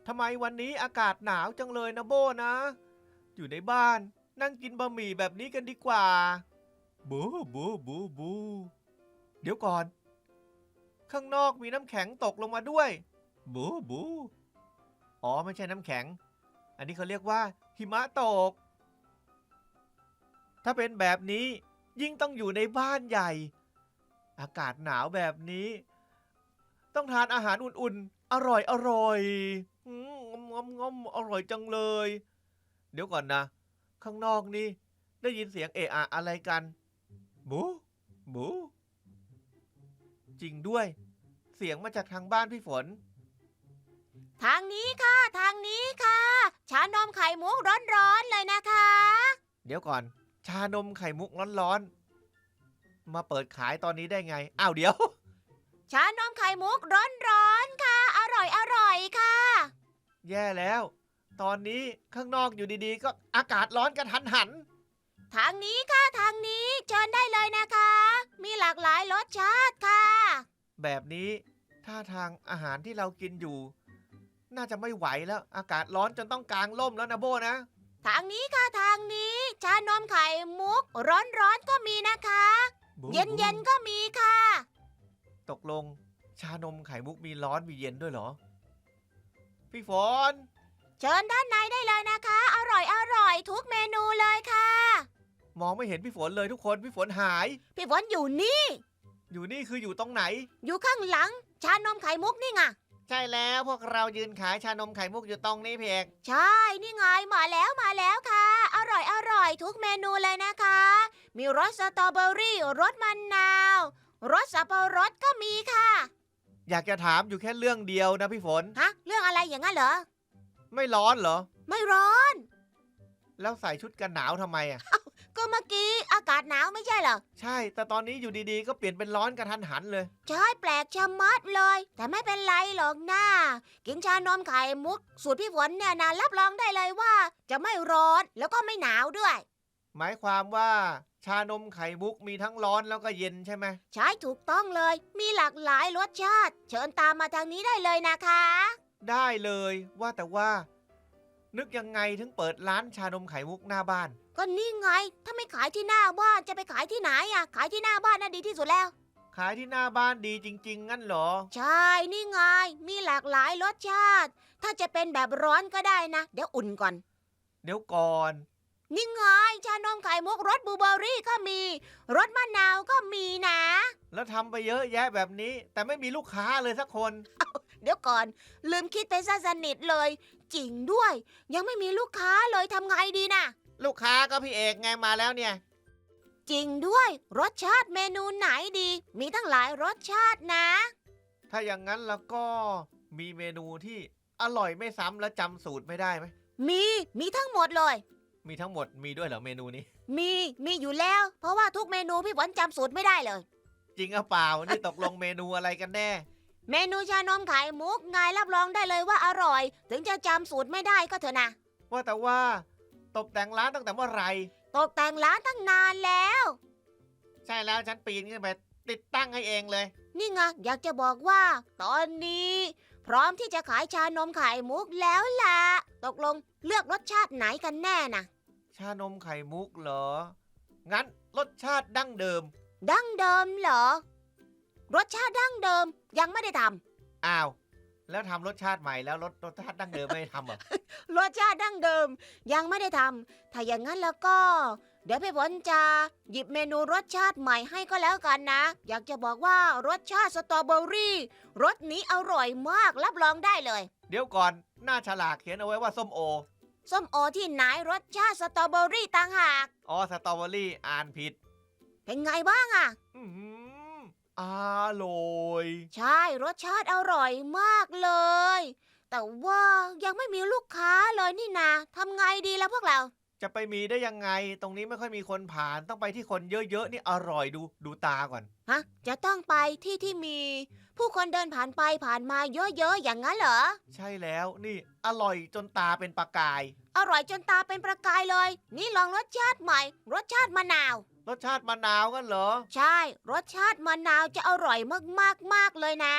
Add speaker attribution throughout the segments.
Speaker 1: ทำไมวันนี้อากาศหนาวจังเลยนะโบนะอยู่ในบ้านนั่งกินบะหมี่แบบนี้กันดีกว่าบูบูบูบูเดี๋ยวก่อนข้างนอกมีน้ำแข็งตกลงมาด้วยบูบูอ๋อไม่ใช่น้ำแข็งอันนี้เขาเรียกว่าหิมะตกถ้าเป็นแบบนี้ยิ่งต้องอยู่ในบ้านใหญ่อากาศหนาวแบบนี้ต้องทานอาหารอุ่นๆอร่อยอร่อยงอมอร่อยจังเลยเดี๋ยวก่อนนะข้างนอกนี่ได้ยินเสียงเอะอะอะไรกันบูบูจริงด้วยเสียงมาจากทางบ้านพี่ฝน
Speaker 2: ทางนี้ค่ะทางนี้ค่ะชานมไข่มุกร้อนๆเลยนะคะ
Speaker 1: เดี๋ยวก่อนชานมไข่มุกร้อนๆมาเปิดขายตอนนี้ได้ไงอ้าวเดี๋ยว
Speaker 2: ชานมไข่มุกร้อนๆค่ะอร่อยอร่อยค่ะ
Speaker 1: แย่แล้วตอนนี้ข้างนอกอยู่ดีๆก็อากาศร้อนกันหัน
Speaker 2: ทางนี้ค่ะทางนี้เชิญได้เลยนะคะมีหลากหลายรสชาติค่ะ
Speaker 1: แบบนี้ท่าทางอาหารที่เรากินอยู่น่าจะไม่ไหวแล้วอากาศร้อนจนต้องกางร่มแล้วนะโบนะ
Speaker 2: ทางนี้ค่ะทางนี้ชานมไข่มุกร้อนๆก็มีนะคะเย็นๆก็มีค่ะ
Speaker 1: ตกลงชานมไข่มุกมีร้อนมีเย็นด้วยเหรอพี่ฝน
Speaker 2: เชิญด้านในได้เลยนะคะอร่อยอร่อยทุกเมนูเลยค่ะ
Speaker 1: มองไม่เห็นพี่ฝนเลยทุกคนพี่ฝนหาย
Speaker 2: พี่ฝนอยู่นี่
Speaker 1: อยู่นี่คืออยู่ตรงไหน
Speaker 2: อยู่ข้างหลังชานมไข่มุกนี่ไง
Speaker 1: ใช่แล้วพวกเรายืนขายชานมไข่มุกอยู่ตรงนี้เพียง
Speaker 2: ใช่นี่ไงมาแล้วมาแล้วค่ะอร่อยอร่อยทุกเมนูเลยนะคะมีรสสตรอเบอรี่รสมะนาวรสสับปะรดก็มีค่ะ
Speaker 1: อยากจะถามอยู่แค่เรื่องเดียวนะพี่ฝน
Speaker 2: ฮะเรื่องอะไรอย่างนั้นเหรอ
Speaker 1: ไม่ร้อนเหรอ
Speaker 2: ไม่ร้อน
Speaker 1: แล้วใส่ชุดกันหนาวทำไมอ่ะ
Speaker 2: ก็เมื่อกี้อากาศหนาวไม่ใช่เหรอ
Speaker 1: ใช่แต่ตอนนี้อยู่ดีๆก็เปลี่ยนเป็นร้อนกระทันหันเลย
Speaker 2: ใช่แปลกชะมัดเลยแต่ไม่เป็นไรหรอกนะกินชานมไข่มุกสูตรพี่ฝนเนี่ยนะรับรองได้เลยว่าจะไม่ร้อนแล้วก็ไม่หนาวด้วย
Speaker 1: หมายความว่าชานมไข่มุกมีทั้งร้อนแล้วก็เย็นใช่ไหม
Speaker 2: ใช่ถูกต้องเลยมีหลากหลายรสชาติเชิญตามมาทางนี้ได้เลยนะคะ
Speaker 1: ได้เลยว่าแต่ว่านึกยังไงถึงเปิดร้านชานมไข่มุกหน้าบ้าน
Speaker 2: ก็นี่ไงถ้าไม่ขายที่หน้าบ้านจะไปขายที่ไหนอ่ะขายที่หน้าบ้านน่ะดีที่สุดแล้ว
Speaker 1: ขายที่หน้าบ้านดีจริงๆงั้นเหรอ
Speaker 2: ใช่นี่ไงมีหลากหลายรสชาติถ้าจะเป็นแบบร้อนก็ได้นะเดี๋ยวอุ่นก่อน
Speaker 1: เดี๋ยวก่อน
Speaker 2: นี่ไงชานมไข่มุกรสบลูเบอร์รี่ก็มีรสมะนาวก็มีนะ
Speaker 1: แล้วทำไปเยอะแยะแบบนี้แต่ไม่มีลูกค้าเลยสักคน
Speaker 2: เดี๋ยวก่อนลืมคิดไปซะสนิทเลยจริงด้วยยังไม่มีลูกค้าเลยทำไงดีนะ
Speaker 1: ลูกค้าก็พี่เอกไงมาแล้วเนี่ย
Speaker 2: จริงด้วยรสชาติเมนูไหนดีมีทั้งหลายรสชาตินะ
Speaker 1: ถ้าอย่างนั้นแล้วก็มีเมนูที่อร่อยไม่ซ้ำและจำสูตรไม่ได้ไหม
Speaker 2: มีทั้งหมดเลย
Speaker 1: มีทั้งหมดมีด้วยเหรอเมนูนี้
Speaker 2: มีอยู่แล้วเพราะว่าทุกเมนูพี่ฝนจำสูตรไม่ได้เลย
Speaker 1: จริงหรือเปล่านี่ตกลงเมนูอะไรกันแน่
Speaker 2: เมนูชานมไข่มุกไงรับรองได้เลยว่าอร่อยถึงจะจำสูตรไม่ได้ก็เถอะนะ
Speaker 1: ว่าแต่ว่าตกแต่งร้านตั้งแต่เมื่อไหร่
Speaker 2: ตกแต่งร้านตั้งนานแล้ว
Speaker 1: ใช่แล้วฉันปีนขึ้นไปติดตั้งให้เองเลย
Speaker 2: นี่ไงอยากจะบอกว่าตอนนี้พร้อมที่จะขายชานมไข่มุกแล้วล่ะตกลงเลือกรสชาติไหนกันแน่นะ
Speaker 1: ชานมไข่มุกเหรองั้นรสชาติดั้งเดิม
Speaker 2: ดั้งเดิมเหรอรสชาติดั้งเดิมยังไม่ได้ท
Speaker 1: ำอ้าวแล้วทำรสชาติใหม่แล้วรสชาติดั้งเดิมไม่ได้ทำเหรอ
Speaker 2: รสชาติดั้งเดิมยังไม่ได้ทำถ้าอย่างนั้นแล้วก็เดี๋ยวพี่ฝนจะหยิบเมนูรสชาติใหม่ให้ก็แล้วกันนะอยากจะบอกว่ารสชาติสตรอเบอรี่รสนี้อร่อยมากรับรองได้เลย
Speaker 1: เดี๋ยวก่อนหน้าฉลากเขียนเอาไว้ว่าส้มโอ
Speaker 2: ส้มโอที่ไหนรสชาติสตรอเบอรี่ต่างหาก
Speaker 1: อ๋อสตรอเบอรี่อ่านผิด
Speaker 2: เป็นไงบ้างอะ
Speaker 1: อร่อย
Speaker 2: ใช่รสชาติอร่อยมากเลยแต่ว่ายังไม่มีลูกค้าเลยนี่นาทำไงดีล่ะพวกเรา
Speaker 1: จะไปมีได้ยังไงตรงนี้ไม่ค่อยมีคนผ่านต้องไปที่คนเยอะๆนี่อร่อยดูตาก่อน
Speaker 2: ฮะจะต้องไปที่มีผู้คนเดินผ่านไปผ่านมาเยอะๆอย่างนั้นเหรอ
Speaker 1: ใช่แล้วนี่อร่อยจนตาเป็นประกาย
Speaker 2: อร่อยจนตาเป็นประกายเลยนี่ลองรสชาติใหม่รสชาติมะนาว
Speaker 1: รสชาติมะนาวกันเหรอ
Speaker 2: ใช่รสชาติมะนาวจะอร่อยมากๆเลยนะ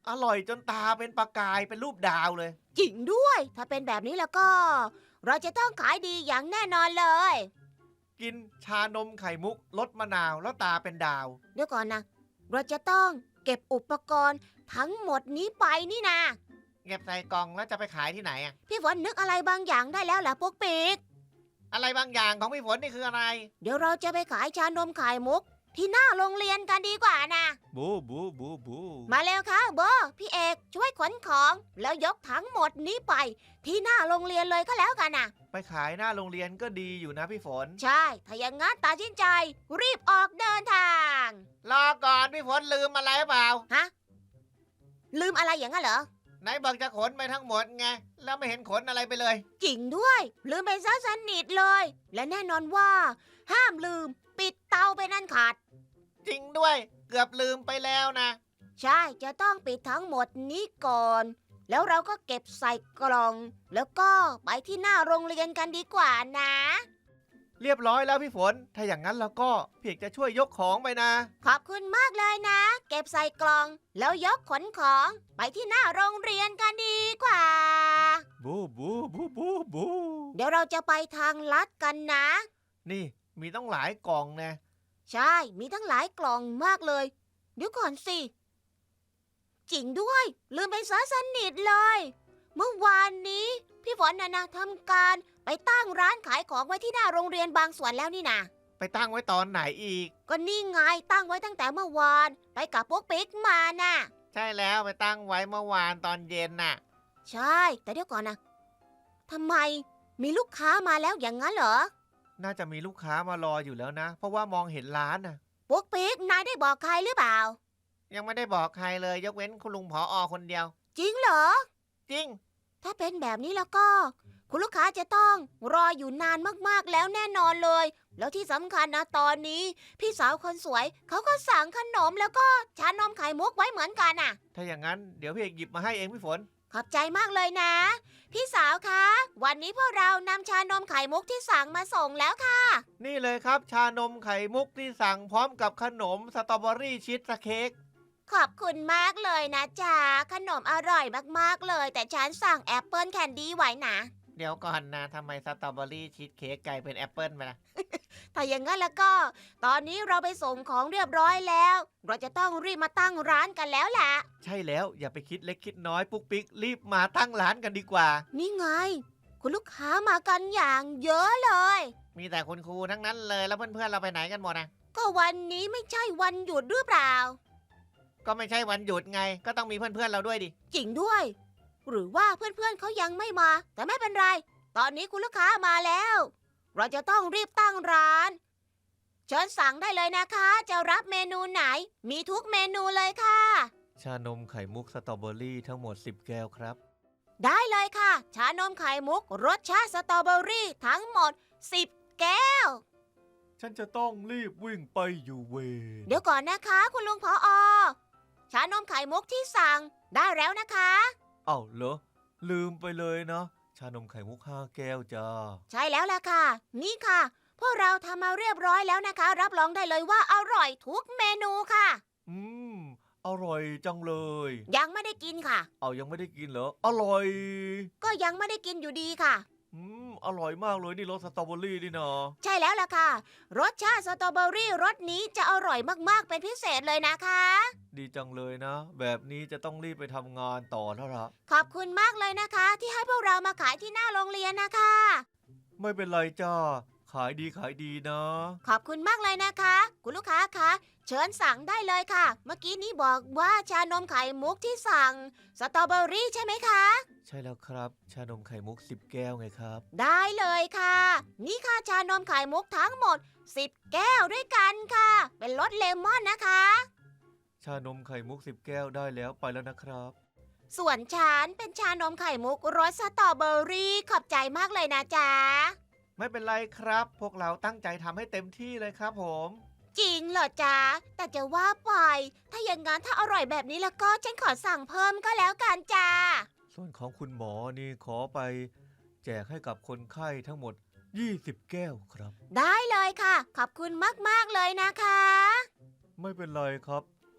Speaker 1: อร่อยจนตาเป็นประกายเป็นรูปดาวเลย
Speaker 2: จริงด้วย ถ้าเป็นแบบนี้แล้วก็ เราจะต้องขายดีอย่างแน่นอนเลย
Speaker 1: กินชานมไข่มุกรสมะนาวแล้วตาเป็นดาว
Speaker 2: เดี๋ยวก่อนนะ เราจะต้องเก็บอุปกรณ์ทั้งหมดนี้ไปนี่นะ
Speaker 1: เก็บใส่กล่องแล้วจะไปขายที่ไหนอะ
Speaker 2: พี่ฝนนึกอะไรบางอย่างได้แล้วล่ะพวกปีก
Speaker 1: อะไรบางอย่างของพี่ฝนนี่คืออะไร
Speaker 2: เดี๋ยวเราจะไปขายชานมไข่มุก ที่หน้าโรงเรียนกันดีกว่านะ
Speaker 1: บูบูบูบู
Speaker 2: มาเร็วค่ะโบพี่เอกช่วยขนของ แล้วยกทั้งหมดนี้ไป ที่หน้าโรงเรียนเลยก็แล้วกันนะ
Speaker 1: ไปขายหน้าโรงเรียนก็ดีอยู่นะพี่ฝน
Speaker 2: ใช่ ถ้าอย่างงั้นตัดสินใจ รีบออกเดินทาง
Speaker 1: รอก่อนพี่ฝนลืมอะไรหรือเปล่า
Speaker 2: ฮะ ลืมอะไรอย่างนั้นเหรอ
Speaker 1: ไหนบอกจะขนไปทั้งหมดไงแล้วไม่เห็นขนอะไรไปเลย
Speaker 2: จริงด้วย ลืมไปซะสนิทเลย และแน่นอนว่า ห้ามลืมปิดเตาไปนั่นขาด
Speaker 1: จริงด้วยเกือบลืมไปแล้วนะ
Speaker 2: ใช่จะต้องปิดทั้งหมดนี้ก่อน แล้วเราก็เก็บใส่กล่อง แล้วก็ไปที่หน้าโรงเรียนกันดีกว่านะ
Speaker 1: เรียบร้อยแล้วพี่ฝน ถ้าอย่างนั้นเราก็เพียงจะช่วยยกของไปนะ
Speaker 2: ขอบคุณมากเลยนะ เก็บใส่กล่อง แล้วยกขนของ ไปที่หน้าโรงเรียนกันดีกว่า
Speaker 1: บูบูบูบูบู
Speaker 2: เดี๋ยวเราจะไปทางลัดกันนะ
Speaker 1: นี่มีต้องหลายกล่องนะ
Speaker 2: ใช่ มีทั้งหลายกล่องมากเลย เดี๋ยวก่อนสิ จริงด้วย ลืมไปซะสนิทเลย เมื่อวานนี้ พี่ฝนนะทำการไปตั้งร้านขายของไว้ที่หน้าโรงเรียนบางส่วนแล้วนี่นะ
Speaker 1: ไปตั้งไว้ตอนไหนอีก
Speaker 2: ก็นี่ไงตั้งไว้ตั้งแต่เมื่อวาน ไปกับพวกปิ๊กมาน่ะ
Speaker 1: ใช่แล้วไปตั้งไว้เมื่อวานตอนเย็นน่ะ
Speaker 2: ใช่ แต่เดี๋ยวก่อนนะทำไมมีลูกค้ามาแล้วอย่างนั้นเหรอ
Speaker 1: น่าจะมีลูกค้ามารออยู่แล้วนะ เพราะว่ามองเห็นร้านน่ะ
Speaker 2: พวกปิ๊กนายได้บอกใครหรือเปล่า
Speaker 1: ยังไม่ได้บอกใครเลยยกเว้นคุณลุงผอคนเดียว
Speaker 2: จริงเหรอ
Speaker 1: จริง
Speaker 2: ถ้าเป็นแบบนี้แล้วก็ คุณลูกค้าจะต้องรออยู่นานมากๆแล้วแน่นอนเลย แล้วที่สำคัญนะตอนนี้ พี่สาวคนสวยเขาก็สั่งขนมแล้วก็ชานมไข่มุกไว้เหมือนกันน่ะ
Speaker 1: ถ้าอย่างนั้นเดี๋ยวพี่เอกหยิบมาให้เองพี่ฝน
Speaker 2: ขอบใจมากเลยนะ พี่สาวคะวันนี้พวกเรานำชานมไข่มุกที่สั่งมาส่งแล้วค่ะ
Speaker 1: นี่เลยครับ ชานมไข่มุกที่สั่งพร้อมกับขนมสตรอเบอรี่ชีสเค้ก
Speaker 2: ขอบคุณมากเลยนะจ๊ะขนมอร่อยมากๆเลย แต่ฉันสั่งแอปเปิลแคนดี้ไว้นะ
Speaker 1: เดี๋ยวก่อนนะทำไมสตรอเบอรี่ชีสเค้กกลายเป็นแอปเปิลไปล่ะ
Speaker 2: ถ้าอย่างนั้นแล้วก็ ตอนนี้เราไปส่งของเรียบร้อยแล้ว เราจะต้องรีบมาตั้งร้านกันแล้วล่ะ
Speaker 1: ใช่แล้วอย่าไปคิดเล็กคิดน้อยปุ๊กปิ๊กรีบมาตั้งร้านกันดีกว่า
Speaker 2: นี่ไง คุณลูกค้ามากันอย่างเยอะเลย
Speaker 1: มีแต่คุณครูทั้งนั้นเลยแล้วเพื่อนๆเราไปไหนกันหมดนะ
Speaker 2: ก็วันนี้ไม่ใช่วันหยุดหรือเปล่า
Speaker 1: ก็ไม่ใช่วันหยุดไง ก็ต้องมีเพื่อนๆเราด้วยดิ
Speaker 2: จริงด้วย หรือว่าเพื่อนๆเขายังไม่มา แต่ไม่เป็นไร ตอนนี้คุณลูกค้ามาแล้ว เราจะต้องรีบตั้งร้าน เชิญสั่งได้เลยนะคะ จะรับเมนูไหน มีทุกเมนูเลยค่ะ
Speaker 1: ชานมไข่มุกสตรอเบอรี่ทั้งหมด10 แก้วครับ
Speaker 2: ได้เลยค่ะ ชานมไข่มุกรสชาติสตรอเบอรี่ทั้งหมด 10 แก้ว
Speaker 1: ฉันจะต้องรีบวิ่งไปอยู่เวร
Speaker 2: เดี๋ยวก่อนนะคะ คุณลุงผอชานมไข่มุกที่สั่งได้แล้วนะคะ
Speaker 1: เอ้าเหรอลืมไปเลยนะชานมไข่มุก5 แก้วจ้า
Speaker 2: ใช่แล้วล่ะค่ะ นี่ค่ะ พวกเราทำมาเรียบร้อยแล้วนะคะ รับรองได้เลยว่าอร่อยทุกเมนูค่ะ
Speaker 1: อืมอร่อยจังเลย
Speaker 2: ยังไม่ได้กินค่ะ
Speaker 1: เอายังไม่ได้กินเหรออร่อย
Speaker 2: ก็ยังไม่ได้กินอยู่ดีค่ะ
Speaker 1: อร่อยมากเลยนี่รสสตรอเบอรี่นี่นะ
Speaker 2: ใช่แล้วล่ะค่ะ รสชาติสตรอเบอรี่รสนี้จะอร่อยมากๆเป็นพิเศษเลยนะคะ
Speaker 1: ดีจังเลยนะ แบบนี้จะต้องรีบไปทำงานต่อแล้วล่ะ
Speaker 2: ขอบคุณมากเลยนะคะ ที่ให้พวกเรามาขายที่หน้าโรงเรียนนะคะ
Speaker 1: ไม่เป็นไรจ้าขายดีนะ
Speaker 2: ขอบคุณมากเลยนะคะ คุณลูกค้าคะเชิญสั่งได้เลยค่ะ เมื่อกี้นี้บอกว่าชานมไข่มุกที่สั่งสตรอเบอรี่ใช่ไหมคะ
Speaker 1: ใช่แล้วครับ ชานมไข่มุก10 แก้วไงครับ
Speaker 2: ได้เลยค่ะ นี่ค่ะชานมไข่มุกทั้งหมด 10 แก้วด้วยกันค่ะ เป็นรสเลมอนนะคะ
Speaker 1: ชานมไข่มุก10 แก้วได้แล้วไปแล้วนะครับ
Speaker 2: ส่วนฉันเป็นชานมไข่มุกรสสตรอเบอรี่ขอบใจมากเลยนะจ๊ะ
Speaker 1: ไม่เป็นไรครับ พวกเราตั้งใจทำให้เต็มที่เลยครับผม
Speaker 2: จริงเหรอจ๊ะ แต่จะว่าไป ถ้าอย่างงั้นถ้าอร่อยแบบนี้แล้วก็ฉันขอสั่งเพิ่มก็แล้วกันจ้า
Speaker 1: ส่วนของคุณหมอนี่ขอไปแจกให้กับคนไข้ทั้งหมด20 แก้วครับ
Speaker 2: ได้เลยค่ะ ขอบคุณมากๆเลยนะคะ
Speaker 1: ไม่เป็นไรครับ เพราะ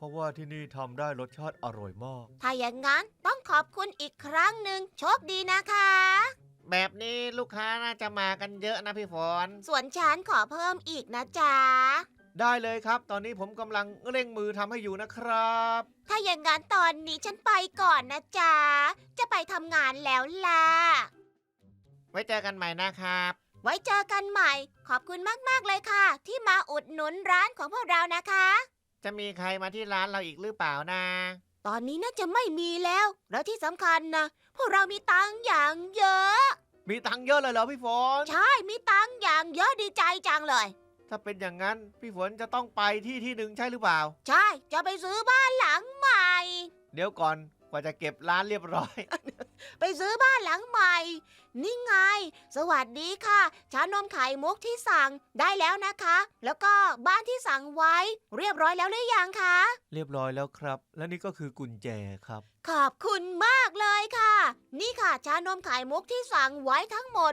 Speaker 1: ราะว่าที่นี่ทำได้รสชาติอร่อยมาก
Speaker 2: ถ้าอย่างนั้นต้องขอบคุณอีกครั้งหนึ่งโชคดีนะคะ
Speaker 1: แบบนี้ลูกค้าน่าจะมากันเยอะนะพี่ฝน
Speaker 2: ส่วนฉันขอเพิ่มอีกนะจ๊ะ
Speaker 1: ได้เลยครับ ตอนนี้ผมกำลังเร่งมือทำให้อยู่นะครับ
Speaker 2: ถ้าอย่างนั้นตอนนี้ฉันไปก่อนนะจ๊ะ จะไปทำงานแล้วล่ะ
Speaker 1: ไว้เจอกันใหม่นะครับ
Speaker 2: ไว้เจอกันใหม่ ขอบคุณมากๆเลยค่ะ ที่มาอุดหนุนร้านของพวกเรานะคะ
Speaker 1: จะมีใครมาที่ร้านเราอีกหรือเปล่านะ
Speaker 2: ตอนนี้น่าจะไม่มีแล้ว แล้วที่สำคัญนะพวกเรามีตังค์อย่างเยอะ
Speaker 1: มีตังค์เยอะเลยเหรอพี่ฝน
Speaker 2: ใช่ มีตังค์อย่างเยอะดีใจจังเลย
Speaker 1: ถ้าเป็นอย่างนั้นพี่ฝนจะต้องไปที่หนึ่งใช่หรือเปล่า
Speaker 2: ใช่ จะไปซื้อบ้านหลังใหม่
Speaker 1: เดี๋ยวก่อนกว่าจะเก็บร้านเรียบร้อย
Speaker 2: ไปซื้อบ้านหลังใหม่ นี่ไง สวัสดีค่ะ ชานมไข่มุกที่สั่งได้แล้วนะคะ แล้วก็บ้านที่สั่งไว้ เรียบร้อยแล้วหรือยังคะ
Speaker 1: เรียบร้อยแล้วครับ และนี่ก็คือกุญแจครับ
Speaker 2: ขอบคุณมากเลยค่ะ นี่ค่ะ ชานมไข่มุกที่สั่งไว้ทั้งหมด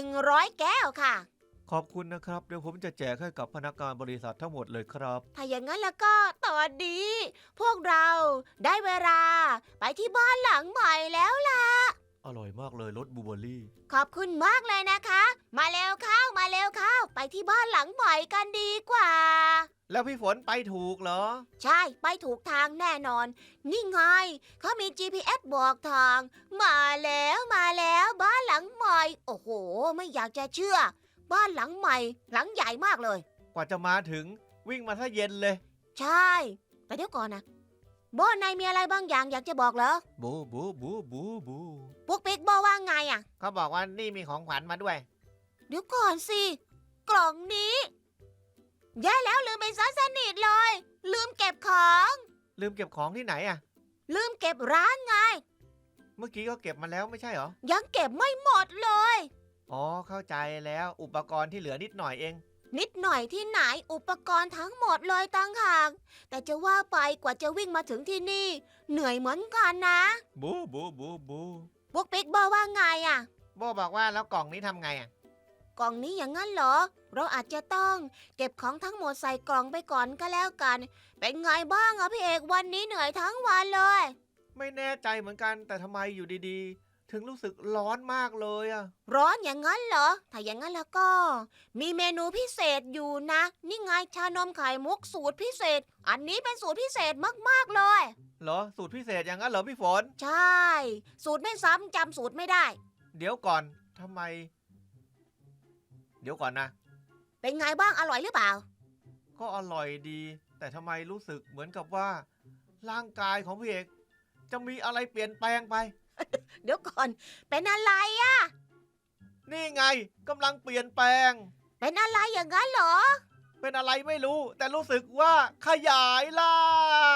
Speaker 2: 100 แก้วค่ะ
Speaker 1: ขอบคุณนะครับ เดี๋ยวผมจะแจกให้กับพนักงานบริษัททั้งหมดเลยครับ
Speaker 2: ถ้าอย่างนั้นแล้วก็ตอนนี้ พวกเราได้เวลา ไปที่บ้านหลังใหม่แล้วล่ะ
Speaker 1: อร่อยมากเลยรสบลูเบอร์รี่
Speaker 2: ขอบคุณมากเลยนะคะ มาเร็วเข้า มาเร็วเข้า ไปที่บ้านหลังใหม่กันดีกว่า
Speaker 1: แล้วพี่ฝนไปถูกเหรอ
Speaker 2: ใช่ ไปถูกทางแน่นอน นี่ไง เขามี GPS บอกทาง มาแล้วมาแล้วบ้านหลังใหม่ โอ้โห ไม่อยากจะเชื่อ บ้านหลังใหม่ หลังใหญ่มากเลย
Speaker 1: กว่าจะมาถึงวิ่งมาถ้าเย็นเลย
Speaker 2: ใช่ แต่เดี๋ยวก่อนนะโบนายมีอะไรบางอย่างอยากจะบอกเหรอ
Speaker 1: บูบูบูบูบู
Speaker 2: ปุ๊กปิ๊กโบว่าไงอ่ะ
Speaker 1: เขาบอกว่านี่มีของขวัญมาด้วย
Speaker 2: เดี๋ยวก่อนสิ กล่องนี้แย่แล้วลืมไปซะสนิทเลย ลืมเก็บของ
Speaker 1: ลืมเก็บของที่ไหนอะ
Speaker 2: ลืมเก็บร้านไง
Speaker 1: เมื่อกี้ก็เก็บมาแล้วไม่ใช่เหรอ
Speaker 2: ยังเก็บไม่หมดเลย
Speaker 1: อ๋อเข้าใจแล้วอุปกรณ์ที่เหลือนิดหน่อยเอง
Speaker 2: นิดหน่อยที่ไหนอุปกรณ์ทั้งหมดเลยตั้งหากแต่จะว่าไปกว่าจะวิ่งมาถึงที่นี่ เหนื่อยเหมือนกันนะ
Speaker 1: บูบูบูบู
Speaker 2: ปุ๊กปิ๊กบอกว่าไงอ่ะ
Speaker 1: โบบอกว่าแล้วกล่องนี้ทำไงอะ
Speaker 2: กล่องนี้อย่างนั้นเหรอ เราอาจจะต้องเก็บของทั้งหมดใส่กล่องไปก่อนก็แล้วกัน เป็นไงบ้างอะพี่เอกวันนี้เหนื่อยทั้งวันเลย
Speaker 1: ไม่แน่ใจเหมือนกันแต่ทำไมอยู่ดีๆ ถึงรู้สึกร้อนมากเลยอะ
Speaker 2: ร้อนอย่างนั้นเหรอ ถ้าอย่างนั้นแล้วก็ มีเมนูพิเศษอยู่นะ นี่ไงชานมไข่มุกสูตรพิเศษ อันนี้เป็นสูตรพิเศษมากๆเลย
Speaker 1: เหรอสูตรพิเศษอย่างนั้นเหรอพี่ฝน
Speaker 2: ใช่ สูตรไม่ซ้ำจำสูตรไม่ได้
Speaker 1: เดี๋ยวก่อนทำไม เดี๋ยวก่อนนะ
Speaker 2: เป็นไงบ้างอร่อยหรือเปล่า
Speaker 1: ก็อร่อยดี แต่ทำไมรู้สึกเหมือนกับว่า ร่างกายของพี่เอกจะมีอะไรเปลี่ยนแปลงไป
Speaker 2: เดี๋ยวก่อน เป็นอะไรอะ
Speaker 1: นี่ไงกำลังเปลี่ยนแปลง
Speaker 2: เป็นอะไรอย่างนั้นเหรอ
Speaker 1: เป็นอะไรไม่รู้ แต่รู้สึกว่าขยายร่าง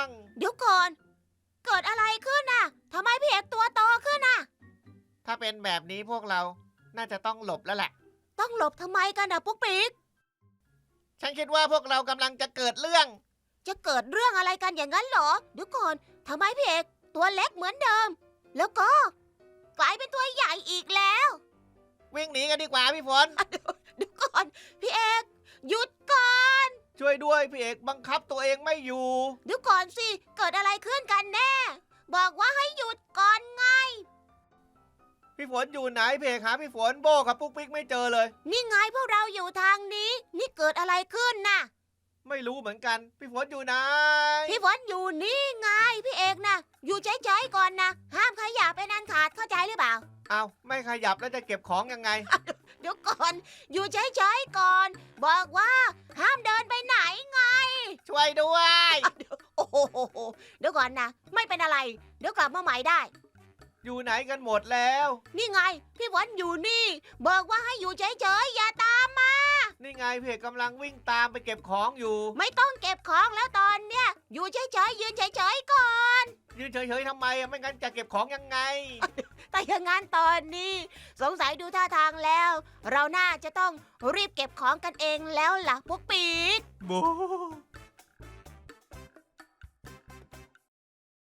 Speaker 2: เดี๋ยวก่อน เกิดอะไรขึ้นน่ะทำไมพี่เอกตัวโตขึ้นน่ะ
Speaker 1: ถ้าเป็นแบบนี้พวกเราน่าจะต้องหลบแล้วแหละ
Speaker 2: ต้องหลบทำไมกันนะปุ๊กปิ๊ก
Speaker 1: ฉันคิดว่าพวกเรากำลังจะเกิดเรื่อง
Speaker 2: จะเกิดเรื่องอะไรกันอย่างนั้นเหรอ เดี๋ยวก่อนทำไมพี่เอกตัวเล็กเหมือนเดิม แล้วก็กลายเป็นตัวใหญ่อีกแล้ว
Speaker 1: วิ่งหนีกันดีกว่าพี่ฝน
Speaker 2: เดี๋ยวก่อนพี่เอกหยุดก่อน
Speaker 1: ช่วยด้วยพี่เอกบังคับตัวเองไม่อยู่
Speaker 2: เดี๋ยวก่อนสิเกิดอะไรขึ้นกันแน่ บอกว่าให้หยุดก่อนไง
Speaker 1: พี่ฝนอยู่ไหนพี่เอกหาพี่ฝนโบกับปุ๊กปิ๊กไม่เจอเลย
Speaker 2: นี่ไงพวกเราอยู่ทางนี้ นี่เกิดอะไรขึ้นน่ะ
Speaker 1: ไม่รู้เหมือนกัน พี่ฝนอยู่ไหน
Speaker 2: พี่ฝนอยู่นี่ไงพี่เอกนะอยู่เฉยๆก่อนนะห้ามขยับเป็นอันขาดเข้าใจหรือเปล่า
Speaker 1: เอาไม่ขยับแล้วจะเก็บของยังไง
Speaker 2: เดี๋ยวก่อน อยู่เฉยๆก่อน บอกว่าห้ามเดินไปไหนไง
Speaker 1: ช่วยด้วย
Speaker 2: โอ้โหเดี๋ยวก่อนนะไม่เป็นอะไร เดี๋ยวกลับมาใหม่ได้
Speaker 1: อยู่ไหนกันหมดแล้ว
Speaker 2: นี่ไง พี่ฝนอยู่นี่ บอกว่าให้อยู่เฉยๆอย่าตามมา
Speaker 1: นี่ไงพี่เอกกำลังวิ่งตามไปเก็บของอยู่
Speaker 2: ไม่ต้องเก็บของแล้วตอนเนี้ยอยู่เฉยๆยืนเฉยๆก่อน
Speaker 1: ยืนเฉยๆทำไมอะไม่งั้นจะเก็บของยังไง
Speaker 2: แต่อย่างงั้นตอนนี้ สงสัยดูท่าทางแล้ว เราน่าจะต้องรีบเก็บของกันเองแล้วล่ะพวกปีก
Speaker 1: บู